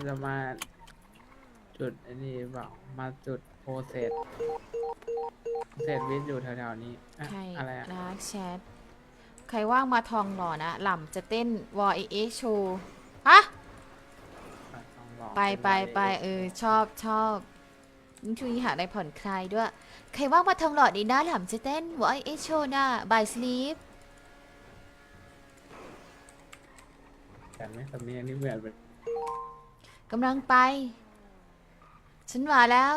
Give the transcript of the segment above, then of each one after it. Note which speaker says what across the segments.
Speaker 1: จะมาจุดไอ้นี่เปล่ามาจุดโพเซตวิทย์อยู่แถวๆนี้อะ
Speaker 2: ใคร
Speaker 1: อะไรอะ
Speaker 2: รักแชทใครว่างมาทองหล่อนะหล่ำจะเต้นวอเอโชว์ฮะ
Speaker 1: ต้องลอง
Speaker 2: ไป
Speaker 1: เป็น
Speaker 2: ไปชอบยิ่งช่วยหาอะไรผ่อนคลายด้วย ใครว่างมาทองหล่อดีนะหล่ำจะเต้นวอเอโชว์นะบายสลีป
Speaker 1: แต่ไม่สำเนียงนี่เหมือนเป็น
Speaker 2: กำลังไป ฉันมาแล้ว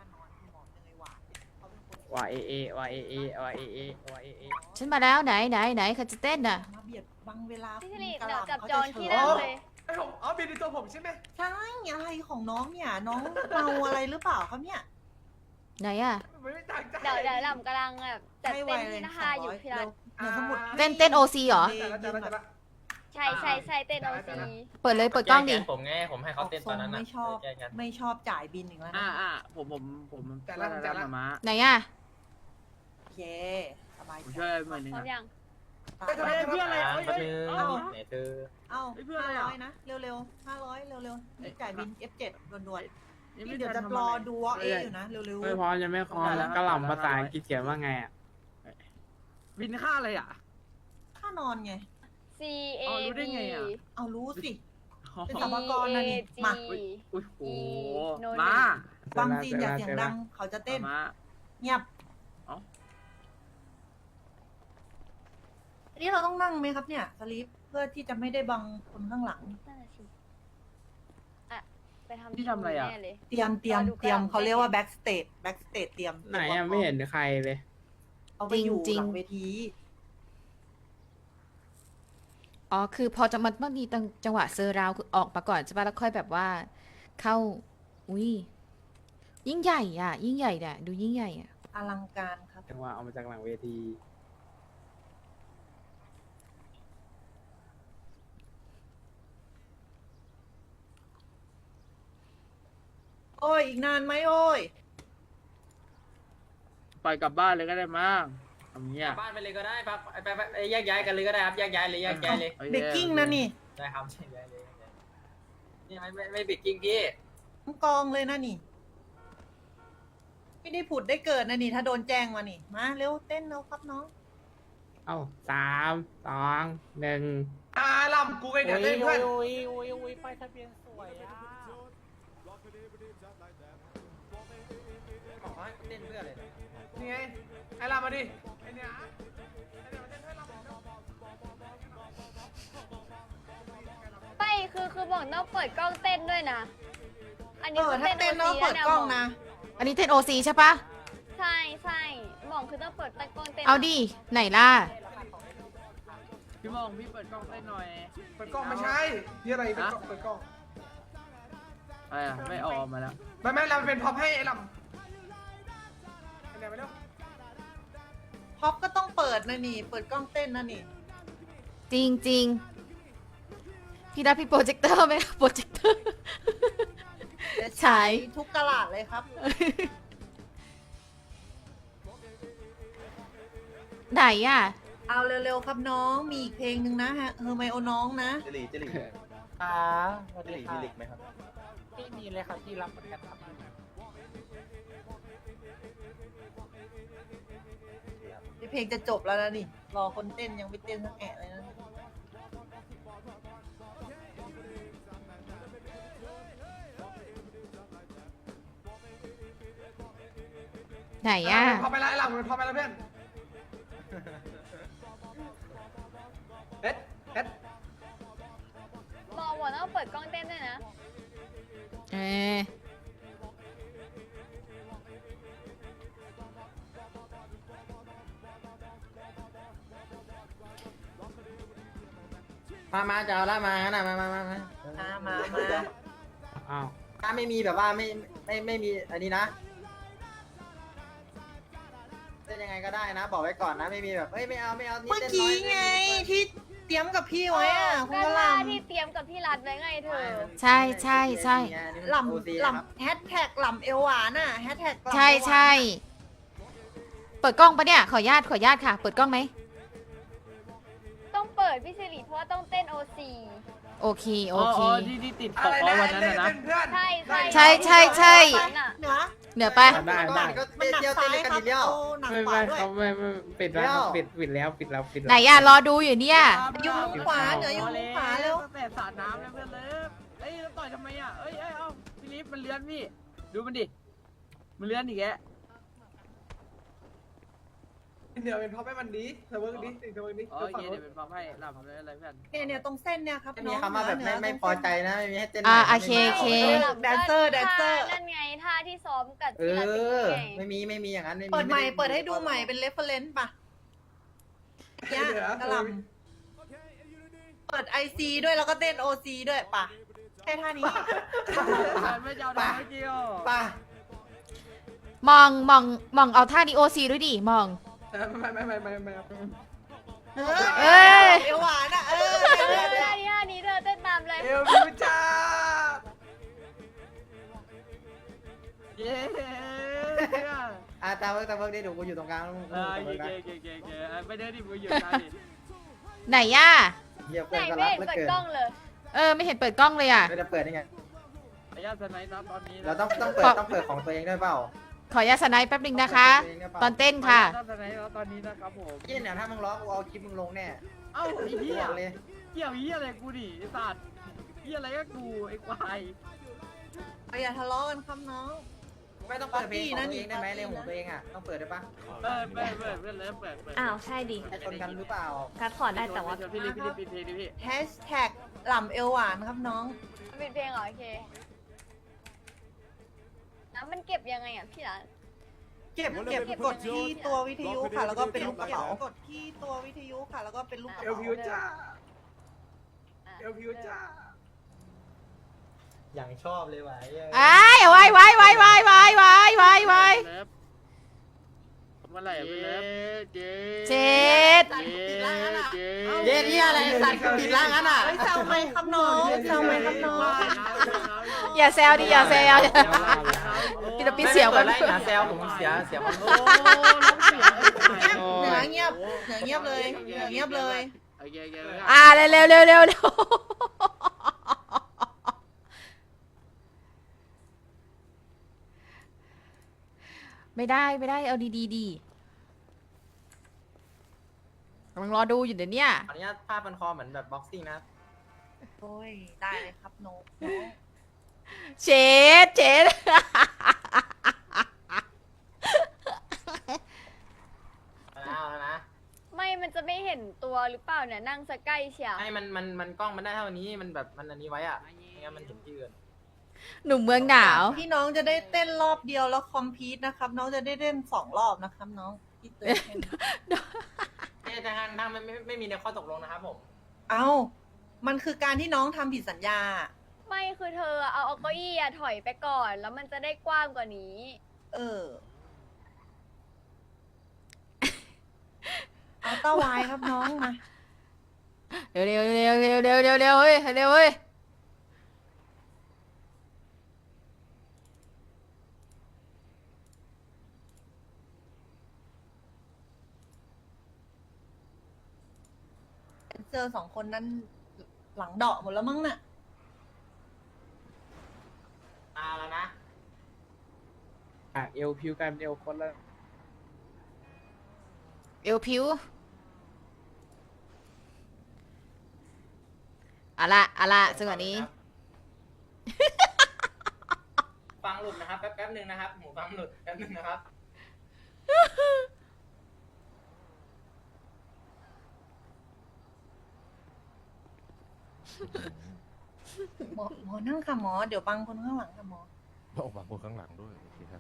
Speaker 1: วาเอเอวาเอเอวาเอเอวาเอเอ
Speaker 2: ฉันมาแล้วไหนใครจะเต้นน่ะ
Speaker 3: มาเบียดบังเวลา
Speaker 4: พี่สิริ
Speaker 3: กะห
Speaker 4: เดี๋ยว
Speaker 3: ล่ำ
Speaker 4: จับ
Speaker 3: เขา
Speaker 4: จอง
Speaker 3: จะ
Speaker 4: ที่
Speaker 3: เฉิ
Speaker 4: นั่ง
Speaker 3: ด
Speaker 4: เลย
Speaker 5: ไอ้ผมอ๋อบินในตัวผมใช่ไหม
Speaker 3: ใช่อะไรของน้องเนี่ย น้องเมาอะไรหรือเปล่าครับเนี่ย
Speaker 2: ไหนอะ
Speaker 5: มันไม่ต่างใจ
Speaker 4: เดี๋ยวหล่ำกำลังแบบจัด
Speaker 3: ให้ไว
Speaker 4: เต็ม
Speaker 3: เลย
Speaker 4: ที่นะคะอยู่พี่รัต
Speaker 3: เดี๋ยวสมุด
Speaker 2: เต้นโอซีเหรอ
Speaker 5: แต่ละแต่ละ
Speaker 4: ใช่เต้นโอซี
Speaker 2: เปิดเลยเปิดกล้องดิ
Speaker 6: แผมไงผมให้เขาเต้นตอนนั้นน่ะ
Speaker 3: ไม่ชอบ
Speaker 6: แก้กัน
Speaker 3: ไม่ชอบจ่ายบินอีกแล้วนะ
Speaker 7: ผมแต่ละมา
Speaker 2: ไหนอะ
Speaker 3: โอเคสบาย
Speaker 7: ผม
Speaker 3: ใจ
Speaker 7: ช่วยหน่อยนึง
Speaker 4: พร้อมยัง
Speaker 3: ไป
Speaker 5: เฮ้ยเพื่อนอะไร
Speaker 6: แป๊บนึง
Speaker 3: เอ้า
Speaker 6: ไหนเธอ
Speaker 3: เอ้า
Speaker 7: เพื่อนอะไรอ่ะ
Speaker 3: 500นะเร็วๆ500เร็วๆนี่จ่ายบิน F7 ด่วนๆ
Speaker 7: นี่
Speaker 3: นี่เดี๋ยวจะรอดูว่าเออยู่นะเร็ว
Speaker 1: ไม่พร้อมจะไม่พร้อมแล้วกระหล่ำภาษาอังกฤษเขียนว่าไงอะ
Speaker 7: บินค่าอะไรอ่ะ
Speaker 3: ๆค่านอนไง
Speaker 4: C A
Speaker 7: อ๋อรู้ได้
Speaker 4: B
Speaker 7: ไงอะ
Speaker 3: เอารู้สิ เป็น
Speaker 4: C
Speaker 3: สมกรนะนี่
Speaker 4: A G
Speaker 3: มา
Speaker 7: อุ้ยโห
Speaker 4: โนน
Speaker 7: มา
Speaker 3: ฟังจีนอย่าเสียงดังเขาจะเต้น
Speaker 7: มา
Speaker 3: เงียบ
Speaker 7: เอ้า
Speaker 3: อันนี้เราต้องนั่งไหมครับเนี่ยสลีปเพื่อที่จะไม่ได้บังคนข้างหลัง
Speaker 4: นั่นน่ะสิอ่ะไปทำ
Speaker 7: ที่ทำอะไรอะ
Speaker 4: แน่เลย
Speaker 3: เตรียม
Speaker 4: รอดู
Speaker 3: เตรียม
Speaker 4: กลาง
Speaker 3: เขาเรียกว่าแบ็กสเตจเตรียม
Speaker 1: ไหนอะไม่เห็นใครเลย
Speaker 3: เอาไปอยู่หลังเวที
Speaker 2: อ๋อคือพอจะมันมีจังหวะเซอร์ราวคือออกมาก่อนใช่ปะแล้วค่อยแบบว่า เข้าอุ้ยยิ่งใหญ่อะยิ่งใหญ่เนี่ยดูยิ่งใหญ่อะ
Speaker 3: อลังการครับ
Speaker 1: จังหวะเอามาจากหลังเวที
Speaker 3: โอ้ยอีกนานไหมโอ้ย
Speaker 7: ไปกลับบ้านเลยก็ได้มั้งทำเงี้
Speaker 6: ก
Speaker 7: ย
Speaker 6: ลับบ้านไปเลยก็ได้ครับไปแยกย้ายกันเลยก็ได้ครับแยกย้ายเลยแยกย้ายเลย
Speaker 3: เบกกิ้งนะนี่
Speaker 6: ได้ครับแยกย้ายเลยแยกย้ายนี่ไม่บิดกิ้งพี่
Speaker 3: ทั้งกองเลยนะนี่ ไม่ได้ผุดได้เกิดนะนี่ ถ้าโดนแจ้งมานี่ มาเร็วเต้นเร็วครับน้อง
Speaker 1: เอ้าสามสองหนึ่ง
Speaker 5: ลำกูไงเนี่ยเต้นเพื่อน
Speaker 7: ไปทะเบียนสวยอ่ะ
Speaker 6: บอกว่าเต้นเพื่ออะไรเนี่ย
Speaker 5: นี่ไงไอ้ลำมาดิไอ้เนี่ยไอ้เนี่ยมาเต้นให้ลำ
Speaker 4: ไม่คือบอกต้องเปิดกล้องเต้นด้วยนะ อัน
Speaker 3: เอ
Speaker 4: นี้
Speaker 3: อ
Speaker 4: คือ
Speaker 3: ถ้าเต้น
Speaker 4: โอ
Speaker 3: ต้อง
Speaker 4: ซี
Speaker 3: เปิดกล้องนะ
Speaker 2: อันนี้เต้นโอซีใช่ปะ
Speaker 4: ใช่บอกคือต้องเปิดกล้องเต้น
Speaker 2: เอาดิไหนล่ะ
Speaker 7: พี่มองพี่เปิดกล้องได้หน่อย
Speaker 5: เปิดกล้องไม่ใช่ที่อะไรเปิดกล้อง
Speaker 7: อะไรอ่ะไม่ออกมาแล้ว
Speaker 5: ไม่ลำเป็นพ็อปให้ไอ้ลำไอ้เนี่ยไปเร็ว
Speaker 3: พ็อปก็ต้องเปิดนะนี่ เปิดกล้องเต้นนะนี่
Speaker 2: จริงพี่รับพี่โปรเจคเตอร์ไหมโปรเจคเตอร์ ฉาย
Speaker 3: ทุกตลาดเลยครับ
Speaker 2: ไหนอะ
Speaker 3: เอาเร็วๆครับน้อง มีอีกเพลงหนึ่งนะฮะเฮอร์ไมโอน้องนะ
Speaker 6: เจลิ
Speaker 7: ค่ะ
Speaker 6: เจลิมีลิกไหมครับ
Speaker 7: ที่มีเลยครับที่รับเหมือนกันครับ
Speaker 3: เพลงจะจบแล้วนะนี่ รอคนเต้นยังไม่เต้นสักแอะเลยนะ
Speaker 2: ไหนอะ
Speaker 5: พอไปแล้วไอ้ลำมันพอไปแล้วเพื่อนเอ็ด
Speaker 4: บอกต้องเปิดกล้องเต้นด้วยนะ
Speaker 2: เออ
Speaker 6: มาจะเอาละมานะมา
Speaker 3: มา
Speaker 1: อ้าว
Speaker 6: ถ้าไม่มีแบบว่าไม่มีอันนี้นะเต้นยังไงก็ได้นะ บอกไว้ก่อนนะไม่มีแบบเฮ้ยไม่เอานี่
Speaker 3: เมื่อ
Speaker 6: เต้นน้
Speaker 3: กี้
Speaker 6: อย
Speaker 3: ไงที่เตรียมกับพี่ไว้อะคุณ
Speaker 4: ก็
Speaker 3: กะห
Speaker 4: ล่า
Speaker 3: ล่ำ
Speaker 4: ที่เตรียมกับพี่รัฐไว้ไงเธอ
Speaker 2: ใช่
Speaker 3: หล่ำแฮชแท็กหล่ำเอวหวานอ่ะแฮชแท็ก
Speaker 2: ใช่ เปิดกล้องปะเนี่ยขออนุญาตค่ะ เปิดกล้องไหม
Speaker 4: ต้องเปิดพี่สิริเพราะว่าต้องเต้นโอซี
Speaker 2: โโอเค โอ
Speaker 7: อ๋อ
Speaker 2: เค
Speaker 7: ที่ติดข
Speaker 5: อะ
Speaker 7: อง
Speaker 5: ไร
Speaker 7: อ๋อ
Speaker 5: นะ
Speaker 7: วันนั้น
Speaker 5: เล่น
Speaker 7: นะ
Speaker 5: เป็นเพื่อน
Speaker 4: ใช่
Speaker 2: ใช่ใช่ใช่
Speaker 4: น่ะ
Speaker 3: เหนือ
Speaker 2: เหนือไป
Speaker 1: ได้ได้
Speaker 6: ก็
Speaker 3: มันหนัก
Speaker 6: เดียว
Speaker 3: ซ้า
Speaker 6: เต้น
Speaker 3: ย
Speaker 6: เลยกัน
Speaker 3: ครับ
Speaker 6: ทีเดียว
Speaker 3: เอาหนัก
Speaker 1: ไม่
Speaker 3: ขวา
Speaker 1: ไม่
Speaker 3: ด้วย
Speaker 1: เขาไม่ปิดแล้วครับปิดแล้วปิดแล้ว
Speaker 2: ไหนอ่ะ รอดูอยู่เนี่ย
Speaker 3: อยู่มุมขวาเหนืออยู่มุมขวาเร็ว
Speaker 7: ตั้งแต่สาดน้ำแล้วเพื่อนเลยเอ้ยแล้วต่อยทำไมอ่ะเอ้ยเอ้าพี่ลิฟมันเลื้อนพี่ดูมันดิมันเลื้อนอีกแก
Speaker 5: เดี๋ยวเป็นเพราะไม่มันดีเธอเวิร์กดีเธอเวิร์กดี
Speaker 7: โอเคเดี๋ยวเป็นปั๊มให้หลับเลยอะไรเพื่อน
Speaker 3: เนี่ยตรงเส้นเนี่ยครับ
Speaker 6: ไม่มี
Speaker 3: น้อง
Speaker 6: คำว่าแบบ
Speaker 3: เหนื
Speaker 6: ไม่พอใจนะไม่มีให้เต้น
Speaker 2: อ่า
Speaker 6: ใหม่
Speaker 2: โอเค
Speaker 6: ไม่มี
Speaker 2: โอเค
Speaker 3: แดนเซอร์แดนเซอร์
Speaker 4: นั่นไงท่าที่ซ้อมกับ
Speaker 6: เอ
Speaker 4: ที่ลาติ
Speaker 6: อ
Speaker 4: ไง
Speaker 6: ไม่มีอย่างนั้นไม่มี
Speaker 3: เปิดใหม่
Speaker 6: ไ
Speaker 3: เปิดให้ดูใหม่เป็นเรฟเฟอเรนซ์ป่ะเนี่ยกระหลำเปิดไอซีด้วยแล้วก็เต้นโอซีด้วยป่ะแค่ท่านี้
Speaker 7: ไม่ยาวได้ไม่เกี่ยว
Speaker 6: ป่ะ
Speaker 2: มองเอาท่าดีโอซีด้วยดิมอง
Speaker 5: ไม่
Speaker 2: เอ้ย
Speaker 3: เอวหวานอ่ะ
Speaker 4: ท่านี้เธอเต้นตามเลย
Speaker 5: เอลวิวจ้า
Speaker 7: เย้
Speaker 6: ตามเวิร์กได้ดูกูอยู่ตรงกลาง
Speaker 7: เออเก๋ไปเดินดิมือหยุดได้ดิ
Speaker 2: ไหนอ่ะ
Speaker 6: เยี่ยม
Speaker 4: ไหน
Speaker 6: เพื่อนก็
Speaker 4: ไม่
Speaker 6: รัก
Speaker 4: เห็น
Speaker 6: เหลือ
Speaker 4: เปิด
Speaker 6: เกิน
Speaker 4: กล้องเลย
Speaker 2: ไม่เห็นเปิดกล้องเลยอ่ะ
Speaker 6: ไม่ได้เปิดยังไง
Speaker 7: ขออนุญาตสไนด์นะตอนนี้
Speaker 6: เราต้องเปิดของตัวเองด้วยเปล่า
Speaker 2: ขออนุญาตสไนป์แป๊บนึงนะคะ ตอนเต้น
Speaker 7: ขอ
Speaker 2: ค่ะ
Speaker 7: อนุญาตสไนด์ตอนนี้นะครับผม
Speaker 6: เยี่ยเนี่ยถ้ามึงร้องกูเอาคลิปมึงลงแน่
Speaker 7: เอ้าไอ้เหี้ย
Speaker 6: บอกเลย
Speaker 7: เกี่ยวเหี้ยอะไรกูดิไอ้สัตว์เหี้ยอะไรก็กูไอ้ควาย
Speaker 3: อย่าทะเลาะกันครับน้อง
Speaker 6: ไม่ต้องเปิดเพลงของตัวเองได้ไหมในของตัวเองอ่ะต้องเปิดได้ปะ
Speaker 7: เปิดเปิด
Speaker 4: อ้าวใช่ดิ
Speaker 6: ให้คนกันหรือเปล่า
Speaker 4: คัดขอได้แต่ว่า
Speaker 7: พี่ลิฟปิดเพลงดิพี่
Speaker 3: แฮชแท็กหล่ำเอวหวานครับน้อง
Speaker 4: ปิดเพลงเหรอโอเคแล้วมันเก็บยังไงอ่ะพี่ร้าน
Speaker 3: เก็บกดที่ตัววิทยุค่ะ แล้วก็เป็นลูกกระเป๋ากดที่ตัววิทยุค่ะ แล้วก็เป็นลูกกระ
Speaker 5: เอล
Speaker 3: เป๋า
Speaker 5: วิวจ้าเอลวิวจ้า
Speaker 6: อย่างชอบเลยว่ะ
Speaker 2: ไอ้ไว้เ
Speaker 7: มื่อไหร่ไปเลิฟเจ๊
Speaker 2: เจ็ด
Speaker 6: เย็นที่อะไรสัตว์ปิดร่างนั้นอ่ะ
Speaker 3: เฮ้ยแซวไหมครับน้องแซวไหมครับน้อง
Speaker 2: อย่าแซวดิอย่าแซวพี่ตะปีเสียว
Speaker 6: เปิ
Speaker 2: กั
Speaker 6: ด
Speaker 2: น
Speaker 6: ไล่หาแซวผมเสียมัน
Speaker 7: โอ้น้องเสีย
Speaker 3: เหนือเงียบเลยเหนือเงียบเลย
Speaker 7: โอเค
Speaker 2: เร็วไม่ได้เอาดีกำลังรอดูอยู่เดี๋ยวนี้
Speaker 6: ขออนุญาตผ้าพันคอเหมือนแบบบ็อกซิ่งนะ
Speaker 3: โอ้ยได้เลยครับน้อง
Speaker 2: เจ็ด
Speaker 6: เอาแล้วนะ
Speaker 4: ไม่มันจะไม่เห็นตัวหรือเปล่าเนี่ยนั่งสใกล้เชียว
Speaker 6: ให้มันกล้องมันได้เท่านี้มันแบบมันอันนี้ไว้อ่ะไม่งั้นมันเห็นที่อื่น
Speaker 2: หนุ่มเมืองหนาว
Speaker 3: พี่น้องจะได้เต้นรอบเดียวแล้วคอมพีทนะครับ น้องจะได้เต้น2 รอบนะครับน้องพี่เตือนแค่นี้
Speaker 6: แต่ทางไม่มีในข้อตกลงนะครับผม
Speaker 3: เอ้ามันคือการที่น้องทำผิดสัญญา
Speaker 4: ไม่คือเธอเอาเก้าอี้อะถอยไปก่อน แล้วมันจะได้กว้างกว่านี้
Speaker 3: เออ เอาเต้าวายครับน้องมา
Speaker 2: เร็วเฮ้ย
Speaker 3: เจอ2 คนนั้นหลังเดาะหมดแล้วมั้งน่ะ
Speaker 6: แล้วนะ
Speaker 1: เอลพิวกันเอลคนละ
Speaker 2: เอวผิวเอาละซึ่งอันนี้
Speaker 6: ฟังหลุดนะครับแป๊บนึงนะครับหูฟังหลุดแป๊บนึงนะครับ
Speaker 3: หมอนั่งค่ะหมอเดี๋ยวบังคนข้างหลังค่ะหมอ
Speaker 8: บอกบางคนข้างหลังด้วยโอเคครับ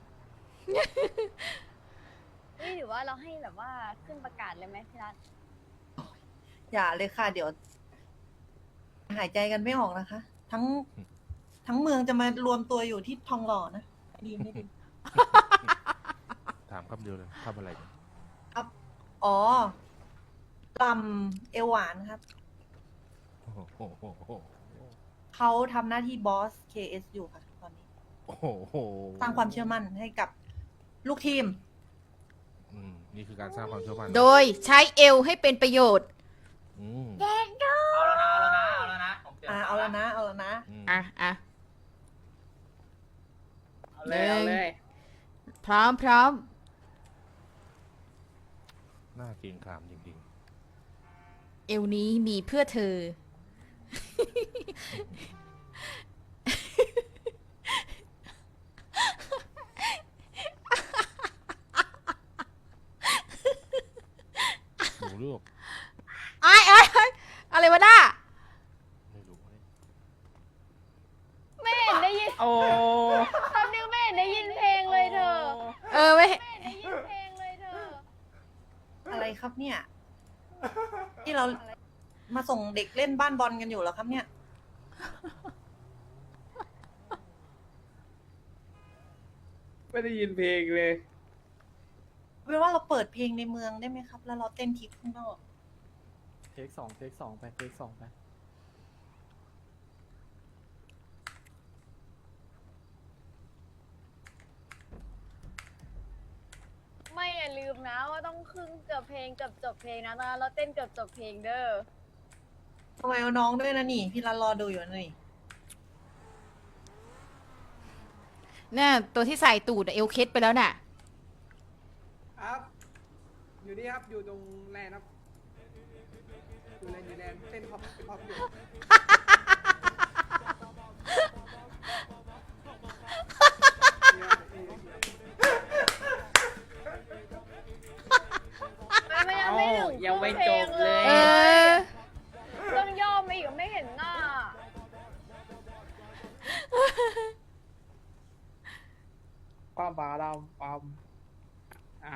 Speaker 4: นี่หรือว่าเราให้แบบว่าขึ้นประกาศเลยไหมพี่รัต
Speaker 3: อย่าเลยค่ะ เดี๋ยว หายใจกันไม่ออกนะคะ ทั้งเมืองจะมารวมตัวอยู่ที่ทองหล่อนะดีไม่ดี
Speaker 8: ถามคำเดียวเลยทำอะไรเนี่ย
Speaker 3: อ๋อลำเอวหวานครับ
Speaker 8: โอ้โห
Speaker 3: เขาทำหน้าที่บอส KS อยู่ค่ะตอนนี้
Speaker 8: โอ้โห
Speaker 3: สร้างความเชื่อมั่นให้กับลูกทีม
Speaker 8: นี่คือการสร้างความเชื่อมั่น
Speaker 2: โดยใช้เอวให้เป็นประโยชน์
Speaker 8: อืม
Speaker 6: เอาแล้วนะผมเปลี่ยน
Speaker 3: เอาแล้วนะ เอาแล้วนะ
Speaker 8: อืม
Speaker 2: อ่ะ
Speaker 1: เอาเลยเอาเลย
Speaker 2: พร้อม
Speaker 8: น่าเกรงขามจริง
Speaker 2: เอวนี้มีเพื่อเธอ
Speaker 8: ๆหนูลูก
Speaker 2: ไอ้อะไรวะน่า
Speaker 8: ไม่รู้เนี่ย
Speaker 4: ไม่เห็นได้ยิน
Speaker 1: โอ้
Speaker 4: ตอนนึงไม่เห็นได้ยินเพลงเลยเธอ
Speaker 2: ไม่
Speaker 4: ไม่เห็นได้ยินเพลงเลยเธอ
Speaker 3: อะไรครับเนี่ย ที่เรามาส่งเด็กเล่นบ้านบอลกันอยู่เหรอครับเนี่ย
Speaker 1: ไม่ได้ยินเพลงเลย
Speaker 3: เป็นว่าเราเปิดเพลงในเมืองได้ไหมครับ แล้วเราเต้นทิปข้างนอก
Speaker 5: เทคสองไปเทคสองไป
Speaker 4: ไม่อย่าลืมนะว่าต้องครึ่งเกือบเพลงเกือบจบเพลงนะตอนนั้นเราเต้นเกือบจบเพลงเด้อ
Speaker 3: ทำไมเอาน้องด้วยนะนี่ พี่รันรอดูอยู่นะนี่
Speaker 2: เนี่ยตัวที่ใส่ตูดอะเอวเคสไปแล้วน่ะ
Speaker 5: ครับ อยู่นี่ครับ อยู่ตรงแลนด์ครับ อยู่แลนด์เต้นพอปอยู่
Speaker 4: ไม่ยังไม่ถึง
Speaker 1: ยังไม่
Speaker 4: ครึ่
Speaker 1: จบ
Speaker 4: พ
Speaker 1: เลย
Speaker 2: เออ
Speaker 4: ต้องย่อมาอีกไม่เห็นหน้า
Speaker 1: ความบาดำความอ้าว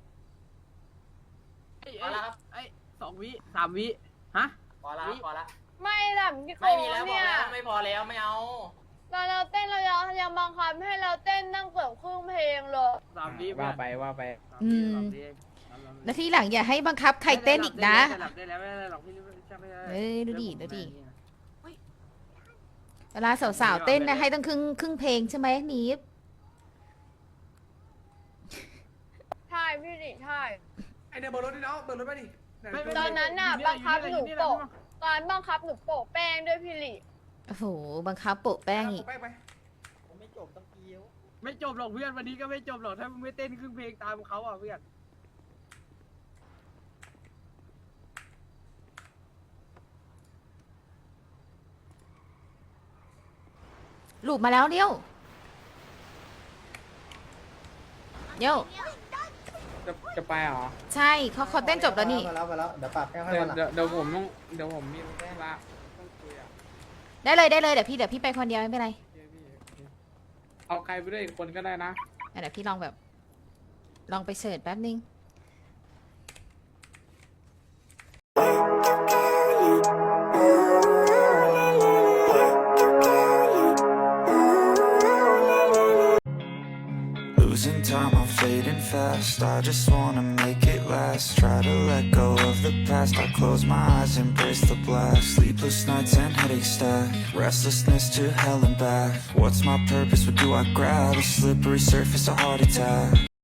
Speaker 7: ไอ้2 วิ 3 วิฮะ
Speaker 6: พอละพอละ
Speaker 4: ไม่หลับพี่โก
Speaker 6: ไม่มีแล้วพอ
Speaker 4: เนี่ย
Speaker 6: แล้วไม่พอแล้วไม่เอา
Speaker 4: ตอนเราเต้นเรายังบังคับให้เราเต้นนั่งเกือบครึ่งเพลงเลย
Speaker 7: 3 วิ
Speaker 1: ว่าไปว่าไป
Speaker 2: อืม แล้วที่หลังอย่าให้บังคับใครเต้นอีกนะ
Speaker 7: หลับได้แล้วไม่ได้หรอกพี่ไม่ได้
Speaker 2: เอ้ยดูดิเวลาสาวๆเต้นนะให้ต้องครึ่งเพลงใช่ไหมนีฟ
Speaker 4: ใช่พี่ดิใช่
Speaker 5: ไอเนี่ยเบอร์รถดิเนาะเบอร์รถไปดิไห
Speaker 4: ตอนนั้นน่ะบังคับหนูโปะตอนบังคับหนูโปะแป้งด้วยพี่หลิ
Speaker 2: โอ้โหบังคับโปะแป้งอีก
Speaker 5: ไปไป
Speaker 6: ผมไม่จบต้องเกี้ยว
Speaker 7: ไม่จบหรอกเพื่อนวันนี้ก็ไม่จบหรอกถ้ามึงไม่เต้นครึ่งเพลงตามเขาอ่ะเพื่อน
Speaker 2: หลุดมาแล้วเดี๋ยว
Speaker 1: จะไปเหรอ
Speaker 2: ใช่เขาเต้นจบแล้วนี่
Speaker 6: มาแล้วเดี๋ยวปรับแค่ให้
Speaker 1: เดี๋ยว
Speaker 6: วันหลัง
Speaker 1: เดี๋ยวผมต้องเดี๋ยวผมมีธุระต้องคุยอ่ะ
Speaker 2: ได้เลยเดี๋ยวพี่ไปคนเดียวไม่เป็นไร
Speaker 1: เอาใครไปด้วยอีกคนก็ได้นะ
Speaker 2: เดี๋ยวพี่ลองไปเสิร์ชแป๊บนึง
Speaker 9: Losing time, I'm fading fast. I just wanna make it last. Try to let go of the past. I close my eyes, embrace the blast. Sleepless nights and headaches stack. Restlessness to hell and back. What's my purpose? What do I grab? A slippery surface, a heart attack.